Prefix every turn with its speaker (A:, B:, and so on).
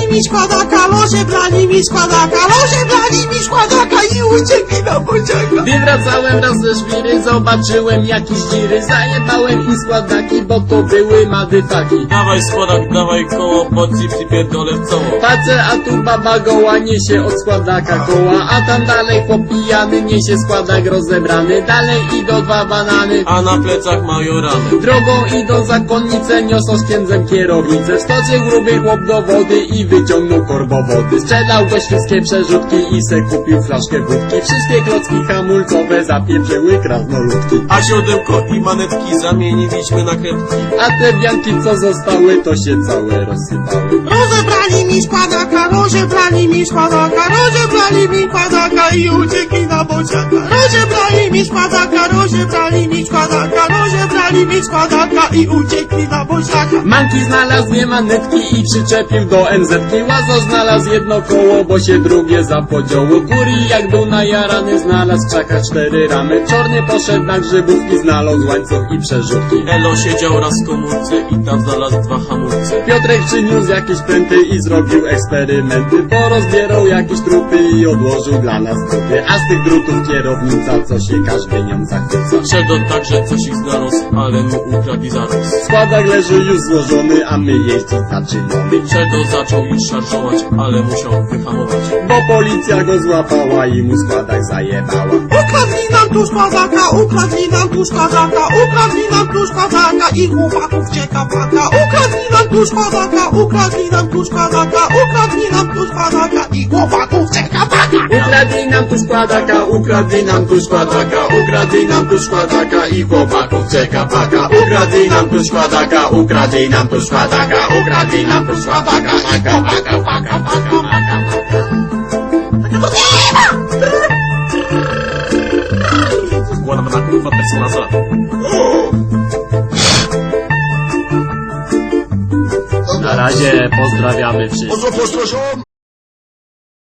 A: mi składaka, loże brali mi składaka, loże brali mi składaka i uciekli na bociaka.
B: Gdy wracałem raz ze szwiry, zobaczyłem jakieś dziry. Zajebałem im składaki, bo to były madyfaki.
C: Dawaj składak, dawaj koło, bo ci przypierdolę w coło.
B: Patrzę, a tu baba goła niesie od składaka koła, a tam dalej chłop pijany niesie składak rozebrany. Dalej idą dwa banany,
C: A na plecach mają rany.
B: drogą idą zakonnice, niosą z księdzem kierownicę. Wskoczył gruby chłop do wody i wyciągnął korbowody. Sprzedał go wszystkie przerzutki i se kupił flaszkę wódki. Wszystkie klocki hamulcowe zapieprzyły krasnoludki.
C: A siodełko i manetki zamieniliśmy na kredki.
B: A te wianki co zostały, to się całe rozsypały.
A: Rozebrali mi składaka, rozebrali mi składaka, rozebrali mi składaka i uciekli na bociaka. Rozebrali mi składaka, rozebrali mi składaka, rozebrali mi składaka i uciekli na bociaka.
B: Manki znalazł dwie manetki i przyczepił do NZ-ki. Łazo znalazł jedno koło, bo się drugie zapodziało. Kuri jak był najarany, znalazł w krzakach 4 ramy. Czorny poszedł na grzybówki, znalazł łańcuch i przerzutki.
C: Elo siedział raz w komórce i tam znalazł 2 hamulce.
B: Piotrek przyniósł jakieś pręty i zrobił eksperymenty. Porozbierał jakieś trupy i odłożył dla nas trupy. A z tych drutów kierownica, co się każdy nią zachwyca.
C: Sheldon także coś ich znalazł, ale mu ukradli zaraz.
B: Składak leży już złożony, a my jeździć zaczynamy.
C: Sheldon zaczął już szarżować, ale musiał wyhamować.
B: Bo policja go złapała i mu składak zajebała.
A: Ukradli nam tu składaka, ukradli nam tu składaka, ukradli nam tu składaka i chłopaków cieka paka. Ukradli nam tu składaka, ukradli nam tu składaka, ukradli nam tu składaka i chłopaków cieka paka.
B: Ukradli nam tu składaka, ukradli nam tu składaka, ukradli nam tu składaka i chłopaków czeka paka. Ukradli nam tu składaka, ukradli nam tu składaka, ukradli nam tu składaka, paka, paka, paka, paka, paka.
C: Składam na kurwa personaza.
B: Na razie pozdrawiamy wszystkich.
D: Pozdro, pozdro, ziom!